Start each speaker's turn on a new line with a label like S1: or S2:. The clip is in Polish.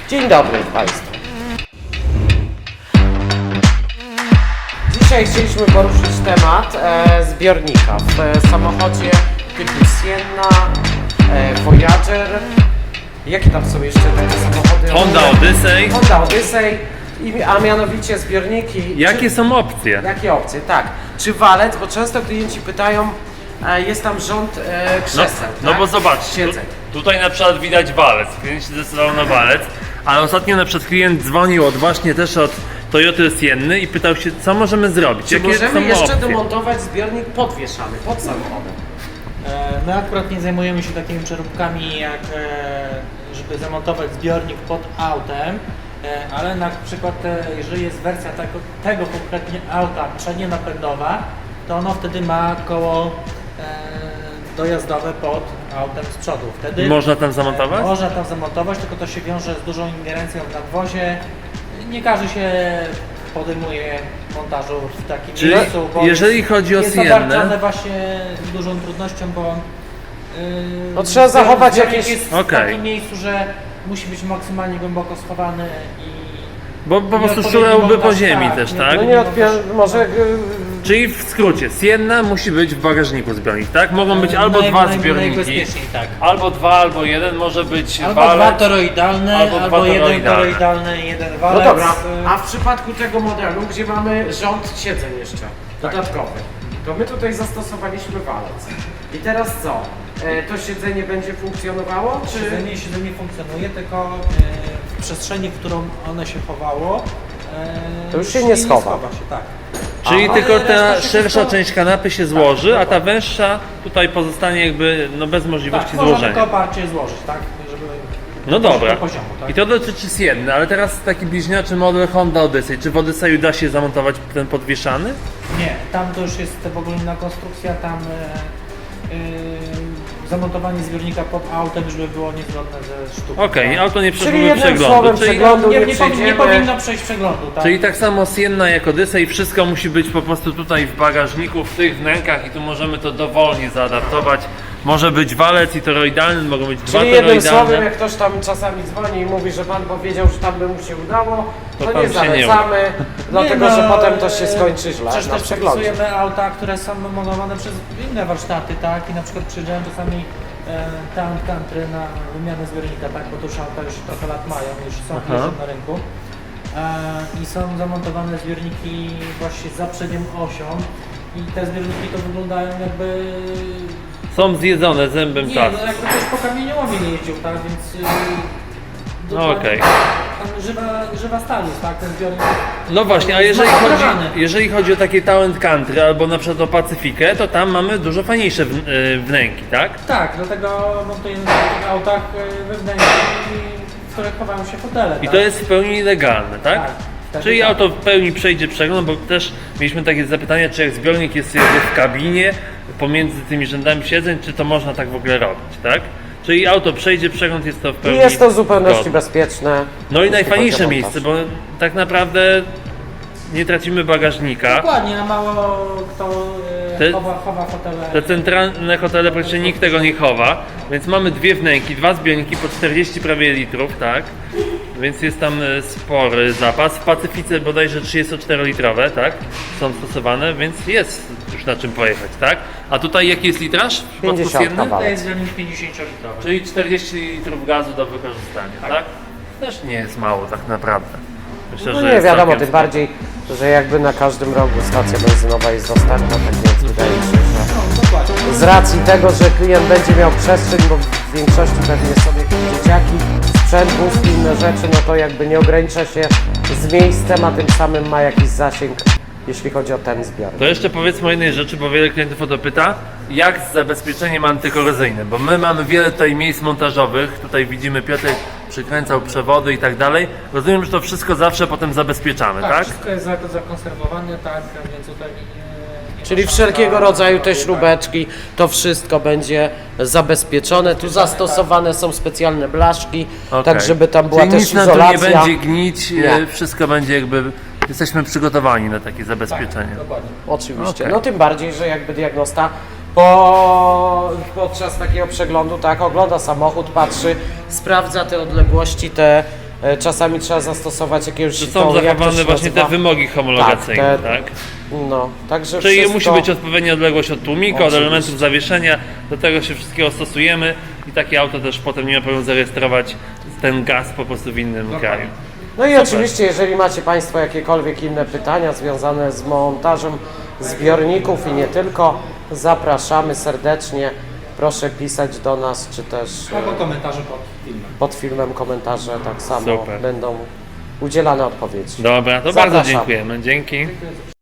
S1: Dzień dobry Państwu. Dzisiaj chcieliśmy poruszyć temat zbiornika w samochodzie typu Sienna, Voyager. Jakie tam są jeszcze takie samochody?
S2: Honda Odyssey.
S1: Honda Odyssey, a mianowicie zbiorniki.
S2: Jakie są opcje?
S1: Jakie opcje? Tak. Czy walec, bo często klienci pytają, jest tam rząd krzeseł,
S2: No
S1: tak?
S2: bo zobaczcie,
S1: Siedzeń.
S2: tutaj na przykład widać walec, klient się zdecydował na walec, ale ostatnio na przykład klient dzwonił właśnie też od Toyoty Sienny i pytał się, co możemy zrobić,
S1: Czy
S2: jakie
S1: możemy
S2: są
S1: jeszcze
S2: opcje.
S1: demontować zbiornik podwieszany pod samochodem?
S3: My akurat nie zajmujemy się takimi przeróbkami jak żeby zamontować zbiornik pod autem, ale na przykład jeżeli jest wersja tego konkretnie auta przednionapędowa, to ono wtedy ma koło dojazdowe pod autem z przodu. Wtedy
S2: Można tam zamontować?
S3: Można tam zamontować, tylko to się wiąże z dużą ingerencją w nadwozie. Nie każdy się podejmuje montażu w takim
S2: Czyli
S3: miejscu, bo
S2: jeżeli chodzi o
S3: jest
S2: Siennę-
S3: obarczone właśnie dużą trudnością, bo
S1: No trzeba zachować
S3: zbiornik
S1: jakieś-
S3: jest w takim miejscu, że musi być maksymalnie głęboko schowany i
S2: Bo po prostu
S3: nieodpowiedni
S2: szurałby po
S3: montaż,
S2: ziemi
S3: tak,
S2: też,
S3: nie-
S2: tak?
S1: No nie może
S2: Czyli w skrócie, Sienna musi być w bagażniku zbiornik, tak? Mogą być albo dwa zbiorniki,
S3: Najbezpieczniej, tak.
S2: albo dwa, albo jeden, może być
S3: Albo
S2: walec.
S3: dwa toroidalne,
S2: albo
S3: albo,
S2: dwa
S3: jeden
S2: toroidalne.
S3: toroidalny, jeden
S1: No
S3: walec.
S1: dobra, a w przypadku tego modelu, gdzie mamy rząd siedzeń jeszcze dodatkowy, to my tutaj zastosowaliśmy walec. I teraz co? To siedzenie będzie funkcjonowało, czy...
S3: Siedzenie funkcjonuje, tylko w przestrzeni, w którą one się chowało,
S1: To już się nie schowa.
S3: się, tak.
S2: Czyli
S3: Ale
S2: tylko
S3: reszta
S2: ta
S3: się
S2: szersza
S3: wszystko-
S2: część kanapy się złoży, a ta węższa tutaj pozostanie jakby no bez możliwości
S3: Tak, można tylko
S2: złożenia.
S3: oparcie złożyć, tak? Żeby
S2: No dobra.
S3: do poziomu, tak?
S2: I to dotyczy Sienny, ale teraz taki bliźniaczy model Honda Odyssey. Czy w Odysseyu da się zamontować ten podwieszany?
S3: Nie, tam to już jest w ogóle inna konstrukcja, tam zamontowanie zbiornika pod autem już by było niezgodne ze sztuką.
S2: Okej,
S3: tak?
S2: auto nie
S1: Czyli
S2: przeszłoby
S1: jednym
S2: przeglądu.
S1: słowem
S2: Czyli,
S1: przeglądu nie
S3: nie
S1: przejdziemy.
S3: powinno przejść przeglądu, tak?
S2: czyli tak samo Sienna jak Odyssey, wszystko musi być po prostu tutaj w bagażniku, w tych wnękach i tu możemy to dowolnie zaadaptować. Może być walec i toroidalny, mogą być dwa
S1: Czyli jednym słowem,
S2: toroidalne.
S1: jak ktoś tam czasami dzwoni i mówi, że pan powiedział, że tam by mu się udało,
S2: To
S1: to
S2: tam
S1: nie
S2: się nie
S1: zalecamy, dlatego
S3: Nie,
S1: że
S3: no,
S1: potem to się skończy źle
S3: Przecież
S1: na
S3: też
S1: przeglądzie.
S3: przepisujemy auta, które są modowane przez inne warsztaty, tak? I na przykład przyjeżdżają czasami Town Country na wymianę zbiornika, tak? Bo to już auta już trochę lat mają, już są jeżdżą na rynku. I są zamontowane zbiorniki właśnie za przednią osią i te zbiorniki to wyglądają jakby...
S2: Są zjedzone zębem
S3: Nie,
S2: czasu.
S3: no jakby ktoś po kamieniołomie nie jeździł, tak? Więc...
S2: No okej.
S3: Żywa stal jest, tak? Ten zbiornik...
S2: No właśnie, a
S3: Zmasakrowany.
S2: jeżeli chodzi o takie Talent Country albo na przykład o Pacyfikę, to tam mamy dużo fajniejsze wnęki, tak?
S3: Tak, dlatego montujemy w takich autach wewnętrznych, w których chowają się fotele.
S2: I
S3: tak?
S2: to jest w pełni legalne, tak?
S3: Tak, wtedy
S2: Czyli
S3: tak.
S2: auto w pełni przejdzie przegląd, bo też mieliśmy takie zapytania, czy jak zbiornik jest jakby w kabinie, pomiędzy tymi rzędami siedzeń, czy to można tak w ogóle robić, tak? Czyli auto przejdzie przegląd, jest to w
S1: I
S2: pełni
S1: jest to w zupełności
S2: zgodne.
S1: bezpieczne.
S2: No i
S1: jeśli
S2: najfajniejsze
S1: chodzi o
S2: miejsce,
S1: montaż.
S2: bo tak naprawdę nie tracimy bagażnika.
S3: Dokładnie, a mało kto
S2: Te-
S3: chowa fotele.
S2: Te centralne hotele praktycznie nikt tego nie chowa, więc mamy dwie wnęki, dwa zbiorniki po 40 prawie litrów, tak? Więc jest tam spory zapas. W Pacyfice bodajże 34-litrowe, tak? Są stosowane, więc jest już na czym pojechać, tak? A tutaj jaki jest litraż? W przypadku
S1: 50
S2: Sienny?
S1: kawałek.
S3: To jest zbiornik 50-litrowy.
S2: Czyli 40 litrów gazu do wykorzystania, tak? Też nie jest mało tak naprawdę. Myślę,
S1: No
S2: że
S1: nie
S2: jest
S1: wiadomo,
S2: całkiem
S1: tym
S2: spoko.
S1: bardziej, że jakby na każdym rogu stacja benzynowa jest dostępna, tak więc wydaje mi się, że
S3: No, dokładnie.
S1: z racji tego, że klient będzie miał przestrzeń, bo w większości pewnie są jakieś dzieciaki, sprzęt, wózki, inne rzeczy, no to jakby nie ogranicza się z miejscem, a tym samym ma jakiś zasięg, jeśli chodzi o ten zbiornik.
S2: To jeszcze powiedzmy o jednej rzeczy, bo wiele klientów o to pyta, jak z zabezpieczeniem antykorozyjnym, bo my mamy wiele tutaj miejsc montażowych, tutaj widzimy Piotr przykręcał przewody i tak dalej. Rozumiem, że to wszystko zawsze potem zabezpieczamy, tak?
S3: Wszystko jest zakonserwowane, tak, więc tutaj nie
S1: Czyli
S3: ma
S1: wszelkiego
S3: szans na-
S1: rodzaju te
S3: tak.
S1: śrubeczki, to wszystko będzie zabezpieczone. Tu zastosowane są specjalne blaszki,
S2: Okej.
S1: tak żeby tam była
S2: Czyli
S1: też
S2: nic nam tu
S1: izolacja.
S2: nie będzie gnić,
S1: Nie.
S2: wszystko będzie jakby, jesteśmy przygotowani na takie zabezpieczenie.
S3: Tak, dokładnie.
S1: Oczywiście.
S2: Okej.
S1: No tym bardziej, że jakby diagnosta podczas takiego przeglądu tak ogląda samochód, patrzy, sprawdza te odległości, te czasami trzeba zastosować jakiegoś
S2: Że
S1: to,
S2: są
S1: jak to
S2: zachowane
S1: się
S2: właśnie te
S1: nazywa?
S2: wymogi homologacyjne,
S1: Tak,
S2: tak?
S1: No, także
S2: Czyli
S1: wszystko...
S2: musi być odpowiednia odległość od tłumika, od
S1: Oczywiście.
S2: elementów zawieszenia, do tego się wszystkiego stosujemy i takie auto też potem nie ma problemu zarejestrować ten gaz po prostu w innym kraju.
S1: No i oczywiście, jeżeli macie Państwo jakiekolwiek inne pytania związane z montażem zbiorników i nie tylko, zapraszamy serdecznie. Proszę pisać do nas, czy też
S3: Albo komentarze pod filmem.
S1: pod filmem komentarze tak samo
S2: Super.
S1: będą udzielane odpowiedzi.
S2: Dobra, to
S1: Zapraszam.
S2: bardzo dziękujemy. Dzięki.